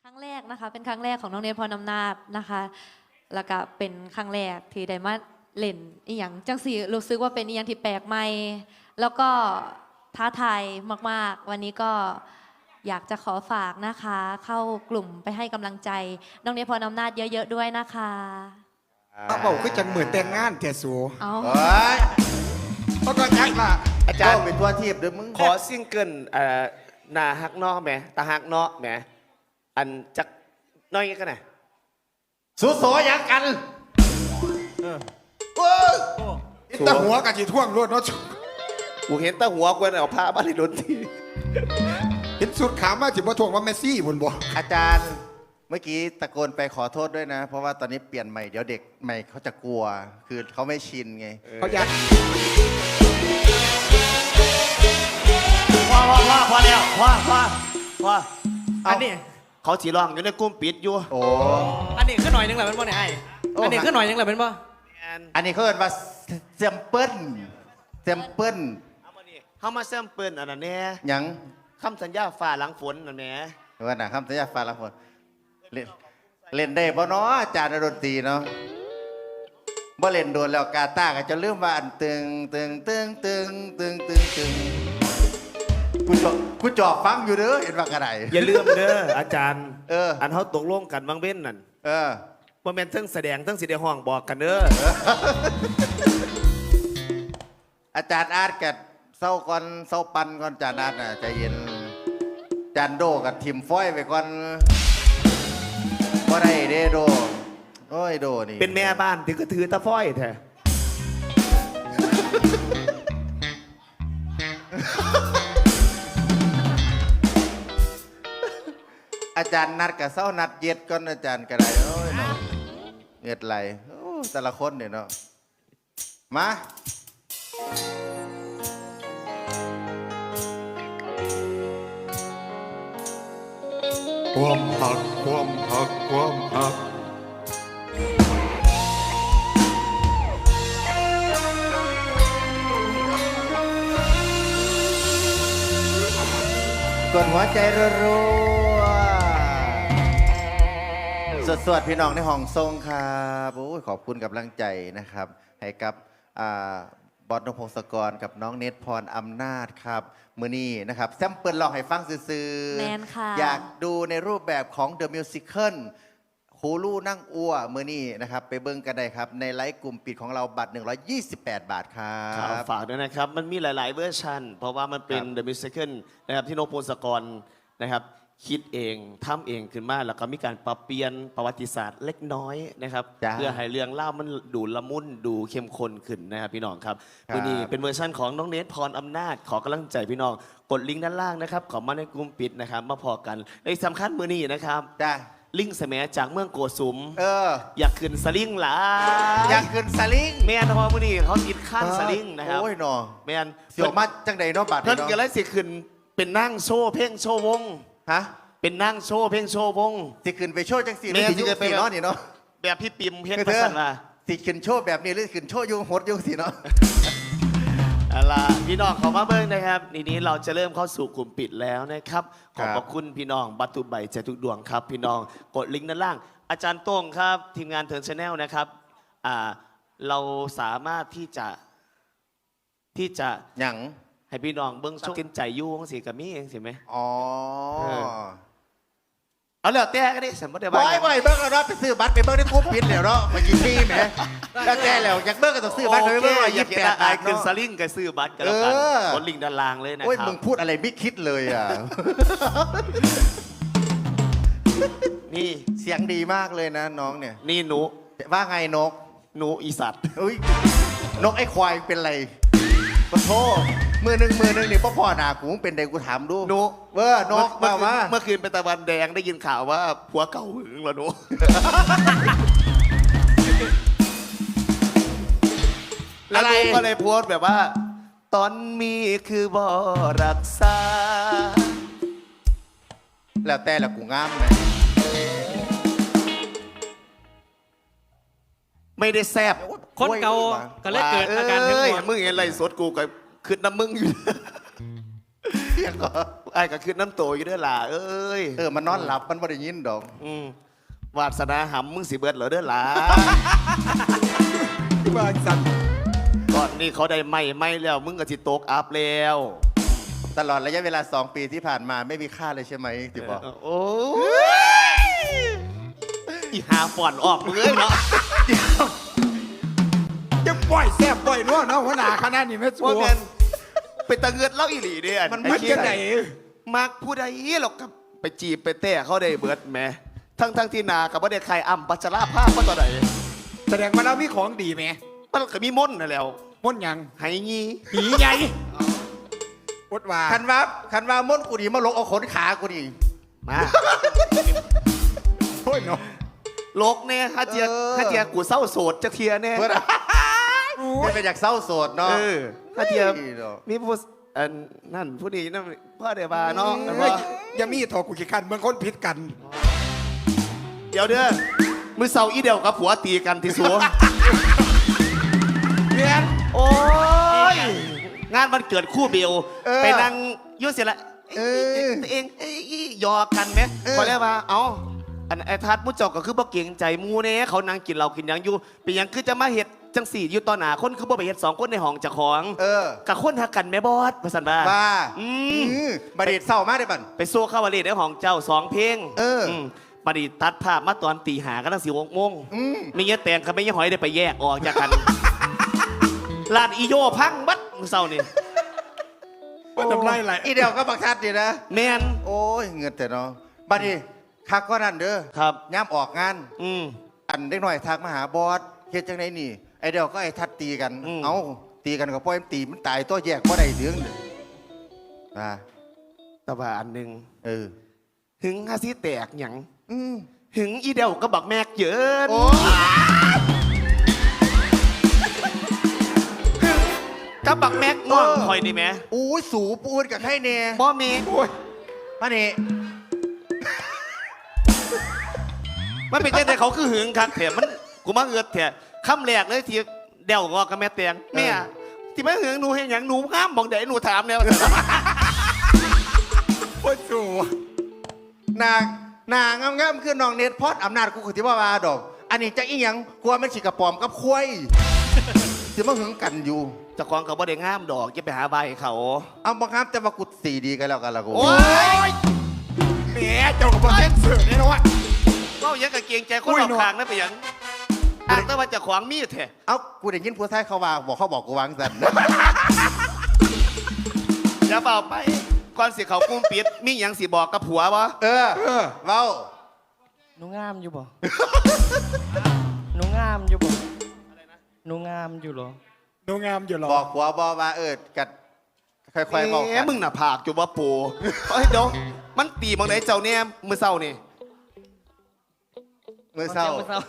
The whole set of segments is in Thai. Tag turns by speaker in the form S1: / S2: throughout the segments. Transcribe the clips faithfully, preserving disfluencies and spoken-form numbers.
S1: รั้งแรกนะคะเป็นครั้งแรกของน้องเนทพรอำนาจนะคะแล้วก็เป็นครั้งแรกที่ได้มาเล่นอีหยังจังสีรู้สึกว่าเป็นอีหยังที่แปลกใหม่แล้วก็ท้าทายมากๆวันนี้ก็อยากจะขอฝากนะคะเข้ากลุ่มไปให้กำลังใจน้องเนทพรอำนาจเยอะๆด้วยนะคะ
S2: เขาบอกคือจังเหมือนแต่งงานเทสู
S1: เอา
S3: โอ้ย
S2: เขาก็ยักล่ะ
S3: อาจารย์เป็นตัวทีบด้วยมึง
S4: ขอซิงเกิลเอ่อหนาฮักเนอกแหมตาฮักเนอกแหมอันจักน้อยกันไหนอย
S3: สู้โสยังกัน
S2: โอ้ยอิตาหัวกับจีท่วงรวดเนาะ
S4: กูเห็นแตาหัวกวนเอาผ้าบ้านในดนตรี
S2: เห็นสุดขามาจีบ่ท่วงว่าเมสซี่บนบ่
S3: อาจารย์เมื่อกี้ตะโกนไปขอโทษด้วยนะ เพราะว่าตอนนี้เปลี่ยนใหม่เดี๋ยวเด็กใหม่เขาจะกลัว คือเขาไม่ชินไง
S2: เขายัก
S4: พอพอพอพอแล้วพอพอพอ
S5: อันนี้
S4: เขาสีรองอยู่ในกลุ่มปิดอยู่
S3: โอ้
S5: อันนี้ขึ้นหน่อยนึงแหละเป็นบ่เนี่ยไอ้
S3: โอ้
S5: อันนี้ขึ้นหน่อยนึงแหละเป็นบ่
S3: อันนี้เขาเรียกว่าเซมเปิลเซมเปิล
S4: เอามานี่เขามาเสริมเปิ้นอันนั้นแน่
S3: ยัง
S4: คำสัญญาฝ่าหลังฝนนั่นแหม
S3: ว่าหนาคำสัญญาฟ้าละคนเล่นเล่นได้บ่เนาะอาจารย์ดนตรีเนาะบ่เล่นโดนแล้วกาตาก็จะลืมว่าอันตึงตึงตึงตึงตึงตึงตึงกูจอบกูจอบฟังอยู่เด้อเห็นว่ากระได
S4: อย่าลืมเด้ออาจารย์
S3: เออ
S4: อันเขาตกลงกันบางเว้นนั่น
S3: เออ
S4: ว่าแม่นเทั้งแสดงเทั้งสีแดงห้องบอกกันเด้อ
S3: อาจารย์อาร์ตกับเศร้าก่อนเศร้าปันก่อนอาจารย์อาร์ตน่ะใจเย็นอาจารย์โดกับทีมฟ้อยไปก่อนบ่ได้เด้โดโอ้ยโดนี่
S4: เป็นแม่บ้านถือก็ถือตะฟ้อยแท้
S3: อาจารย์นัดกับเศร้านัดเย็ดก่อนอาจารย์กระไดโอ้ยเนาะเงียดไหลโอ้แต่ละคนเนี่ยเนาะมา
S2: ความหักความหักความหัก
S3: กดหัวใจรัวๆสวดๆพี่น้องในห้องทรงครับโอ้ยขอบคุณกับกำลังใจนะครับ ให้กับอ่าบอสนพงศกรกับน้องเนทพรอำนาจครับมือนี้นะครับแซมเปิลลองให้ฟังซื่อๆ
S1: แมนค่ะ
S3: อยากดูในรูปแบบของ The Musical ฮูลูนั่งอัวมือนี้นะครับ ไปเบิ้งกันได้ครับ ในไลฟ์กลุ่มปิดของเราบัตร หนึ่งร้อยยี่สิบแปด บาทครั
S4: ครับ
S3: บ
S4: ฝากด้วยนะครับ มันมีหลาย ๆ เวอร์ชันเพราะว่ามันเป็น
S3: ครับ
S4: The Musical นะครับที่โนพงศกรนะครับคิดเองทำเองขึ้นมาแล้วก็มีการปรับเปลี่ยนประวัติศาสตร์เล็กน้อยนะครับ
S3: จ้า
S4: เพื่อให้เรื่องเล่ามันดูละมุนดูเข้มข้นขึ้นนะครับพี่น้องครับ
S3: ครับ
S4: วันนี้เป็นเวอร์ชันของน้องเนทพรอำนาจขอกำลังใจพี่น้องกดลิงก์ด้านล่างนะครับขอมาในกลุ่มปิดนะครับมาพอกันในสำคัญมือนี้นะครับ
S3: จ้า
S4: ลิงก์แสมจากเมืองโกสุม
S3: เออ
S4: อยากขึ้นสลิงหลา
S3: อยากขึ้นสลิง
S4: แม่นพอมือนี้เขาติดขั้นสลิงนะครับ
S3: โอ้ยหนอ
S4: แม่น
S3: เสียวมาจังใดเนาะบัตร
S4: เพิ่น
S3: เนาะ
S4: ก็เลยสิขึ้นเป็นนั่งโชว์เพลงโชว์วง
S3: ฮะ
S4: เป็นนั่งโชว์เพลงโชว์วง
S3: สิขึ้นไปโชว์จังสี่ห
S4: แม่
S3: รือสิ
S4: สิ
S3: อ
S4: ขึ้
S3: ยุ่
S4: นไป
S3: สี่เนาะนี่เนาะ
S4: แบบพี่ปิมเพลง
S3: คือ
S4: ประ
S3: เธอ
S4: สันว่า
S3: สิขึ้นโชว์แบบนี้หรือขึ้นโชว์อยุ่งหดอยุ่งสิเนาะ
S4: อะไรพี่น้องเขามาเบิ้งนะครับทีนี้เราจะเริ่มเข้าสู่กลุ่มปิดแล้วนะครับข
S3: ครั
S4: อบบ พระคุณพี่น้องบัตตุใบใจทุกดวงครับ พี่น้องกดลิงก์ด้านล่าง อาจารย์โต้งครับ ทีมงานเทิร์นชาแนลนะครับอ่าเราสามารถที่จะที่จะ
S3: หยัง
S4: ให้พี่น้องเบิ้งช่วงกินใจยู่ของสีกับมี่เองสิไหม
S3: อ๋อ
S4: เออ เอาแล้วแต่ก็ได้สมมติ
S3: บ่
S4: ว่า
S3: อยบ่อยเบิ้งแล้วเนาะไปซื้อบัตรไปเบิ้งในกรุ๊ปปิดแล้วเนาะมากี่ปีแหมแล้วแต่แล้วอยากเบิ้งก็ต้องซื้อบัตรไปเบิ้งร้อย
S4: อ
S3: ยี่
S4: ยา
S3: สิ
S4: ก
S3: บ
S4: เห็
S3: แป
S4: น
S3: ด
S4: อา
S3: บาย ท
S4: ขึ้น
S3: เนาะ
S4: สลิงกับซื้อบัตรกันแล้วกัน
S3: เออ
S4: กดลิงก์ด้านล่างเลยนะ
S3: โอ้ย
S4: ครั
S3: มึ
S4: บ
S3: งพูดอะไรไม่คิดเลยอ่ะ
S4: นี่
S3: เสียงดีมากเลยนะน้องเนี่ย
S4: นี่หนู
S3: ว่าไงนก
S4: หนูอีสัตว์
S3: อุ้ยนกไอ้ควายเป็นไรขอโทษมือหนึ่งมือหนึ่งนี่พ่อพ่อหนากูมึงเป็นใดกูถามดู
S4: หนู
S3: เออนก
S4: เมื่
S3: มา
S4: อคืน
S3: ว่า
S4: เมื่อคืนเป็นตะวันแดงได้ยินข่าวว่าผัวเก่าหึงเหรอหนู แล้วหนูก็เลยโพสต์แบบว่า ตอนมีคือบ่รักษา
S3: แล้วแต่ละกูงามไหม
S4: ไม่ได้แซบ
S5: คนเก่าก็เลยเกิดอาการทั้งหมด
S4: มึงเห็นไรสดกูกับขึ้นน้ำมึงอยู่
S3: เสียงก็
S4: ออ้ายก็คือน้ำโตอยู่เด้อล่ะเอ้ย
S3: เออมันนอนหลับมันบ่ได้ยินดอก
S4: อืมวาสนาหำมึงสิเบิดเหรอเด้อล่ะ
S2: ที่บ้านสั่น
S4: ก่อนนี้เขาได้ไม่ไม่แล้ว มึงก็สิตกอัพแล้ว
S3: ตลอดระยะเวลาสองปีที่ผ่านมาไม่มีค่าเลยใช่ไหมที่บอก
S4: โอ้ยอีหาฝ่อนออกมึงเอ้ยเนาะ
S2: จะปล่อยแซ่บปล่อยนัวเนาะหัวหน้าคณะนี่แม่สัว
S4: ว่าแมนเป็นตะเงินเล่าอีหลีเด้อ
S2: มัน
S4: อ้
S2: มัน
S4: เหี้
S2: จะ
S4: ย
S2: ไหน
S4: มักผู้ใดหรอกกับไปจีบไปเตะเขาได้เบิดแหมทั้งทั้งที่นากับว่าได้ใครอ่ำปัจจาราภาพว่าต่อใด
S2: แสดงว่าเรามีของดีไหม
S4: มันก็มีม่นต์นั่นแหล้ว
S2: ม้วนหยัง
S4: ไห้งี้
S2: ผีใหญ่อดว่า
S3: คันว่าคันว่าม้วนกูดีมาลงเอาขนขากูดี
S4: มา
S2: โอ้ยเนาะ
S4: โลกเนี่ยฮะเจีย
S3: เออ
S4: ฮะเจียกูเศร้าโสดจะเทียเนี่ย
S3: เพื่อนไม่เป็นอยากเศร้าโสดเนาะ
S4: เออฮะเจีย
S3: เฮ้ยเนาะ
S4: มีผู้อันนั่นผู้นี้นั่นพ่อเดบาเนาะ
S2: เอ้ยอย่ามีทอกูขี้กันเมืองคนผิดกัน
S4: เดี๋ยวเด้อมือเศร้าอีเดียวกับผัวตีกันที่สัว
S2: เรียน
S4: โอ้ย งานวันเกิดคู่เบล
S3: เออ
S4: ไปนั่งอยุ่เสียละ
S3: เออ
S4: ตัวเองเอ้ยหยอกกันไหม
S3: เออ
S4: พอแล้วว่าเอ้าอันไอ้ทัดมุจจอกก็คือบ่เก่งใจหมูเน่เขานั่งกินเรากินหยังอยู่เป็นหยังคือจะมาเฮ็ดจังสี่อยู่ต่อหน้าคนคือบ่ไปเฮ็ดสองคนในห้องเจ้าของ
S3: เออ
S4: กับคนหักกันแม่บอสว่าซั่นว่า
S3: บ้า
S4: อืม
S3: อืมบดีดเศร้ามากเลยบัน
S4: ไปโซ่เข้าวาเลดในห้องเจ้าสองเพลง
S3: เอออื
S4: มบัดนี้ตัดภาพมาตอนตีหากันตั้งสี่โมง
S3: อืม
S4: มีเงี้ยแตงกับไม่เงี้ยหอยได้ไปแยกออกจากกันลานอีโยพังบัดมื้อเช้านี่
S2: ว่าทำไรไหล
S3: อีเดียวก็บักชัดดีนะ
S4: แม่น
S3: โอ้ยเงินแต่เนาะบัดนี้คักก็นั่นเด้อ
S4: ครับ
S3: ย่ำออกงาน
S4: อืม
S3: อันเด็กหน่อยทักมาหาบอสเฮ็ดจังไดนี่ ไอเดียวก็ไอทัดตีกัน
S4: อืม
S3: เอ้าตีกันก็ปล่อยมันตีมันตายตัวแยกบ่ได้เดืองเด้ออ่า
S4: แต่ว่าอันหนึ่ง
S3: เออ
S4: หึงฮาซิแตกหยัง
S3: อืม
S4: หึงอีเดียวก็บักแมกเยิน
S3: โอ้ย
S4: หึงกับบักแมกง่วงคอยนี่แหม
S3: อู้ยสูปูนกับไข่เน่
S4: บ่มี
S2: โอ้ย
S3: มานี่
S4: มันเป็นจังไดเขาคือหึงคักแถมมันกูมาเอือดแถมคำแรกเลยที่เดี่ยวก็กับแม่แตงแม่ที่แม่หึงหนูเห็นหยังหนูห้ามบอกเดี๋ยวหนูถามแล้ว
S2: โอ้ยสู
S3: นางนางงามๆคือน้องเน็ตพอดอำนาจกูคือที่ว่าว่าดอก อันนี้จะอีหยังกลัวมันสิกระปอมกับควายสิมาหึงกันอยู่
S4: เจ้าของเขาบ่ได้งามดอกจะไปหาใบเขา
S3: เอาบังคับแต่ว่ากูสีดีกันแล้วกันละกู
S4: โอ้ย
S2: แหมเจ้ากับพ่อเส้นเสือเนี่ยนะวะ
S4: เมายังกับเกรงใจคน
S2: อุ้ย
S4: รอบ
S2: หนวด
S4: ข้างนั่นไปหยังอ่างแต่ว่าเจะขวางมีดแท้
S3: เอ้ากูได้ยินผู้ชายเขาว่าบอกเขาบอกกูวางสัน
S4: อย่าเปล่าไปก่อนสิเขากุ้มปิดมีหยังสิบอกกับผัววะ
S3: เออ
S2: เออ
S3: เว้า
S5: หนูงามอยู่บ่ หนูงามอยู่บ่หนูงามอยู่เหรอ
S2: ดูงามอยู่หรอ
S3: บอกผัวบอกว่าเออกัดค่อยๆบอก
S4: แห
S3: กั
S4: ม
S3: น
S4: มึงน่ะผากอยู่ว่าปูเฮ้ยเดี๋ยวมันตีบางไหนเจ้าเนี่ยมือเศร้านี่
S3: เมื่อเศร้า
S5: มื่อเศร้า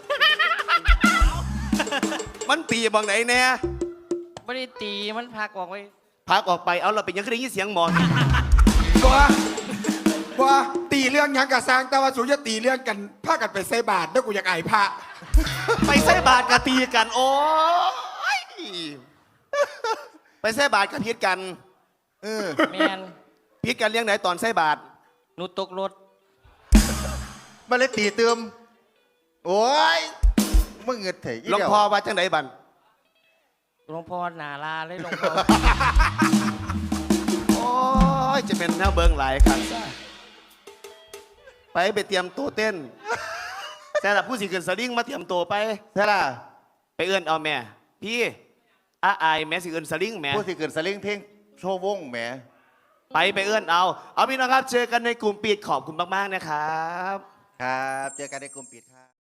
S4: มันตีบางไหนแน่
S5: ไม่ได้ตีมันพักออกไว้
S4: พักออกไปเอาเราไปยังคือได้ยินเสียงหมอน
S2: บัวบัวตีเรื่องหยังกับสร้างแต่ว่าสูจะตีเรื่องกันพากันไปใส่บาทด้วยกูอยากไอ้พระ
S4: ไปใส่บาทกับตีกัน โอ้ยไปใส่บาทกับพิษกัน
S3: เออ
S5: แมน
S4: พิษกันเลี้ยงไหนตอนใส่บาท
S5: หนูตกรถ
S3: มันเลยตีเติมโอ้ยมึงเงินเถอะ
S4: หลวงพ่อว่าจังไหนบัน
S5: หลวงพ่อหนาลาเลยหลวงพ่อ
S4: โอ้ยจะเป็นแนวเบิงหลายครั้งซะไปไปเตรียมตัวเต้น แต่ละผู้สิขึ้นสลิงมาเตรียมตัวไป
S3: ใช่ล่ะ
S4: ไปเอื้อนเอาแม่ พี่อาอายแม่สิขึ้นสลิงแม่
S3: ผู้สิเกินสลิงเพลงโชว์วงแหม
S4: ไปไปเอื้อนเอา เอาพี่น้องครับ เจอกันในกลุ่มปิดขอบคุณมากๆนะครับ
S3: ครับ เจอกันในกลุ่มปิดครับ